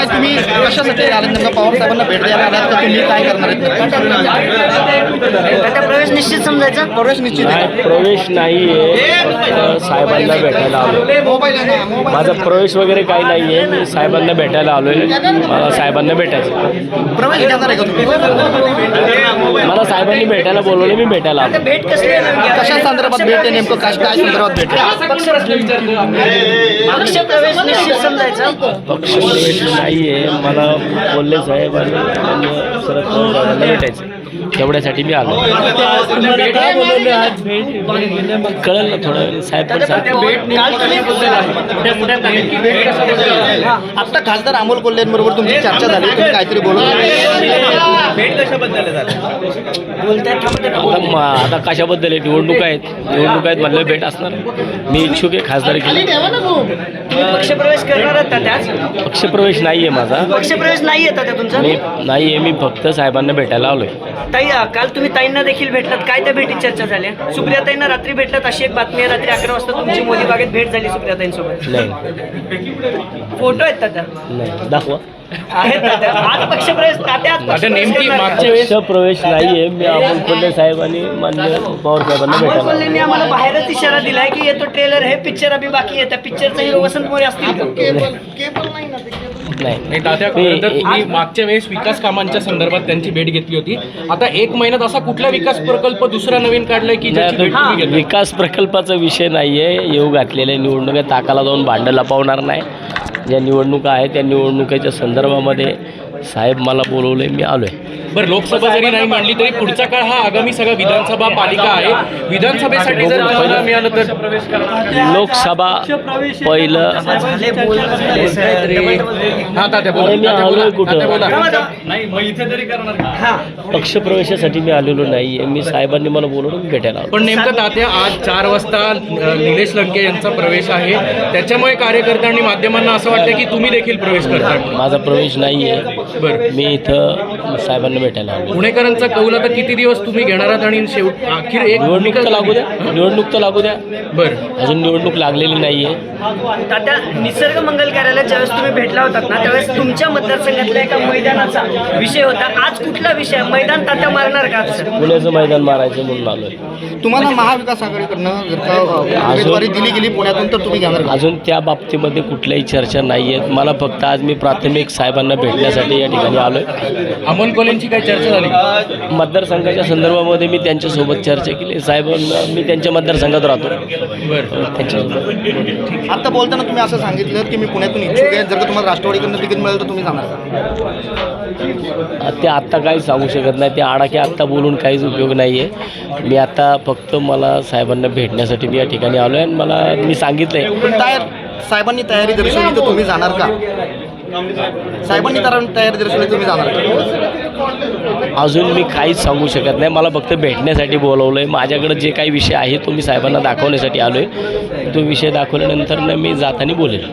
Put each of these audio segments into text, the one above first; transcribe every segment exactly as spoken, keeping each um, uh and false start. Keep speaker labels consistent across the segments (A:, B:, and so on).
A: काय तुम्ही कशासाठी आले नेमका पवार साहेबांना भेट द्यायला आलात का तुम्ही काय करणार आहेत?
B: आता प्रवेश निश्चित समजायचा.
A: प्रवेश निश्चित आहे.
C: नाही, प्रवेश नाही आहे, साहेबांना भेटायला आलो. माझा प्रवेश वगैरे काही नाही आहे, मी साहेबांना भेटायला आलो आहे. मला साहेबांना भेटायचं.
A: प्रवेश घेणार आहे का तुम्ही?
C: मला साहेबांनी भेटायला बोलवले, मी भेटायला आलो.
B: भेट कसली आहे नेमकी?
A: कशा संदर्भात भेट आहे नेमकं? काय काय संदर्भात भेट आहे?
B: पक्ष प्रवेश निश्चित समजायचा.
C: पक्ष प्रवेश नाही आहे, मला बोलले साहेब आणि आणि शरद पवार साहेबांना भेटायचं. तेवढ्यासाठी मी आलो. कळलं ना थोडं साहेब पण सांगतील.
A: आता खासदार अमोल कोल्हेंबरोबर तुमची चर्चा झाली, तुम्ही काहीतरी बोलत
C: आता म- आता कशाबद्दल आहे? निवडणूक आहेत, निवडणूक आहेत म्हणलं भेट असणार. मी इच्छुक आहे खासदार केली.
B: पक्ष प्रवेश करणार आहात का त्याच?
C: पक्षप्रवेश नाही आहे माझा.
B: पक्ष प्रवेश नाही येतात त्या तुमचा?
C: मी नाही आहे, मी फक्त साहेबांना भेटायला आलोय.
B: ताई काल तुम्ही ताईंना देखील भेटलात, काय त्या भेटीत चर्चा झाल्या? सुप्रियाताईंना रात्री भेटलात अशी एक बातमी आहे. रात्री अकरा वाजता तुमची मोदी बागेत भेट झाली सुप्रियाताईंसोबत.
C: नाही
B: फोटो आहेत तात्या?
C: नाही दाखवा.
B: आहेत तात्या. आज पक्ष प्रवेश तात्या आज पक्ष प्रवेश करणार का?
C: पक्षप्रवेश नाही आहे. मी अमोल कोल्हे साहेब आणि मान्य पवार साहेबांना
B: अमोल
C: भेटायला
B: कोल्हेंनी आम्हाला बाहेरच इशारा दिलाय की येतो ट्रेलर हे पिक्चर अभि बाकी आहे. त्या पिक्चरचा हिरो वसंत मोरे असतील का?
C: नाही.
D: नाही तात्या, खरं तर तुम्ही मागच्या वेळेस विकास कामांच्या संदर्भात त्यांची भेट घेतली होती. आता एक महिन्यात असा कुठला विकास प्रकल्प दुसरा नवीन काढलाय की ज्याची भेट तुम्ही घेतली?
C: विकास प्रकल्पाचा विषय नाही आहे. येऊ घातलेल्या निवडणुका ताकाला जाऊन भांडं लपवणार नाही. ज्या निवडणुका आहेत त्या निवडणुकीच्या संदर्भामध्ये साहेब मला बोलवले, मी आलो आहे.
D: बरं, लोकसभा जरी नाही मांडली तरी पुढचा काळ हा आगामी सगळा विधानसभा पालिका आहे. विधानसभेसाठी जर तुम्हाला मिळालं तर
C: लोकसभा पहिलं.
B: झाले बोल झाले सर. डबल डबल बोल.
D: हा तात्या बोला.
C: अरे मी
D: तात्या
C: आलोय
D: बोला.
C: कुठं?
D: तात्या बोला.
B: हा.
C: पक्षप्रवेशासाठी मी आलेलो नाही आहे. मी साहेबांनी मला बोलवलं, मी भेटायला आलो.
D: पण नेमकं तात्या आज चार वाजता अ, निलेश लंके यांचा प्रवेश आहे. त्याच्यामुळे कार्यकर्त्यांनी माध्यमांना असं वाटतं की तुम्ही देखील प्रवेश करता.
C: माझा प्रवेश नाही आहे.
D: बरं,
C: मी इथं साहेबांना भेटायला आलो.
D: पुणेकरांचा कौल आता किती दिवस तुम्ही घेणार आहात आणि शेवट अखेर एक
C: निवडणूक तर लागू द्या, निवडणूक तर लागू द्या.
D: बरं,
C: अजून निवडणूक लागलेली नाही आहे.
B: तात्या निसर्ग मंगल कार्यालयात ज्यावेळेस तुम्ही भेटला होतात ना त्यावेळेस तुमच्या मतदारसंघातल्या एका मैदानाचा विषय होता. आज कुठला विषय? मैदान तात्या मारणार का आज?
C: पुण्याचं मैदान मारायचं म्हणून आलोय.
A: तुम्हाला महाविकास आघाडीकडनं जर का उमेदवारी दिली गेली पुण्यातून तर तुम्ही घेणार का?
C: अजून त्या बाबतीमध्ये कुठल्याही चर्चा नाही आहेत. मला फक्त आज मी प्राथमिक साहेबांना भेटण्यासाठी या ठिकाणी आलोय.
D: अमोल कोल्हेंची काय चर्चा झाली?
C: मतदारसंघाच्या संदर्भामध्ये मी त्यांच्यासोबत चर्चा केली. साहेबांना मी त्यांच्या मतदारसंघात राहतो.
D: बरं,
C: त्यांच्यासोबत
A: आता बोलताना तुम्ही असं सांगितलं की मी पुण्यातून इच्छुक आहे, जर का तुम्हाला राष्ट्रवादीकडनं तिकीट मिळालं तर तुम्ही जाणार का?
C: ते आत्ता काही सांगू शकत नाही. ते आडाखे आत्ता बोलून काहीच उपयोग नाही आहे. मी आता फक्त मला साहेबांना भेटण्यासाठी मी या ठिकाणी आलो आहे आणि मला मी सांगितलं आहे.
A: पण तयार साहेबांनी तयारी दर्शवली तर तुम्ही जाणार का? साहेबांनी तर तयारी दर्शवली तुम्ही जाणार का?
C: अजून मी काहीच सांगू शकत नाही. मला फक्त भेटण्यासाठी बोलवलं आहे. माझ्याकडे जे काही विषय आहे तो मी साहेबांना दाखवण्यासाठी आलो आहे. तो विषय दाखवल्यानंतर न मी जाताना बोलेल.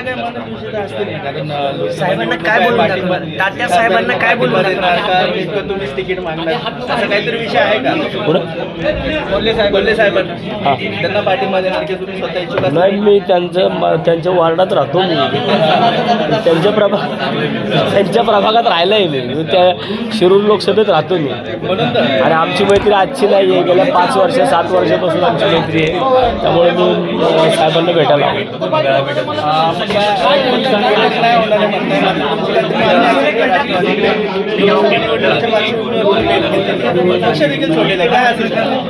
B: साहेबांना काय बोलून दाखवणार? तात्या साहेबांना काय बोलून दाखवणार?
E: तिकीट मागणार असा काहीतरी विषय आहे का?
C: पुढं
E: कोल्हे साहेब कोल्हे साहेबांना
C: हां
E: त्यांना पाठिंबा देणार की तुम्ही स्वतः इच्छुक असाल?
C: नाही, मी त्यांचं म- त्यांच्या वार्डात राहतो. मी त्यांच्या प्रभा त्यांच्या प्रभागात राहिलं आहे. मी मी त्या शिरूर लोकसभेत राहतो मी.
E: म्हणून तर
C: आणि आमची मैत्री आजची नाही आहे. गेल्या पाच वर्ष सात वर्षापासून आमची मैत्री आहे. त्यामुळे मी अ, साहेबांना भेटायला आलो.
E: पक्ष देखील सोडलेला काय असेल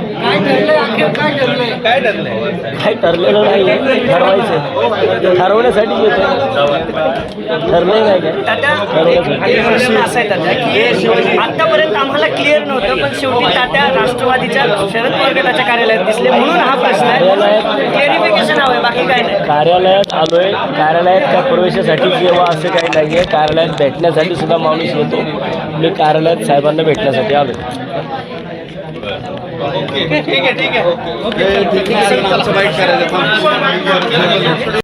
E: काय ठरलंय?
C: काही ठरलेलं नाही आहे. ठरवायचं ठरवण्यासाठी येतो. ठरलं नाही काय
B: तात्या
C: ठरवण्यासाठी.
B: एक प्रश्न असा आहे तात्या की आतापर्यंत आम्हाला क्लिअर नव्हतं पण शेवटी तात्या राष्ट्रवादीच्या शरद पवार गटाच्या कार्यालयात दिसले म्हणून हा प्रश्न आहे. क्लिअरिफिकेशन हवं आहे, बाकी काय नाही.
C: कार्यालयात आलोय. कार्यालयात काय प्रवेशासाठी किंवा असं काही नाही आहे. कार्यालयात भेटण्यासाठी सुद्धा माणूस येतो. मी कार्यालयात साहेबांना भेटण्यासाठी आलो.
E: ठीक आहे ठीक आहे
A: ठीक आहे, चला, बाईट करायचं.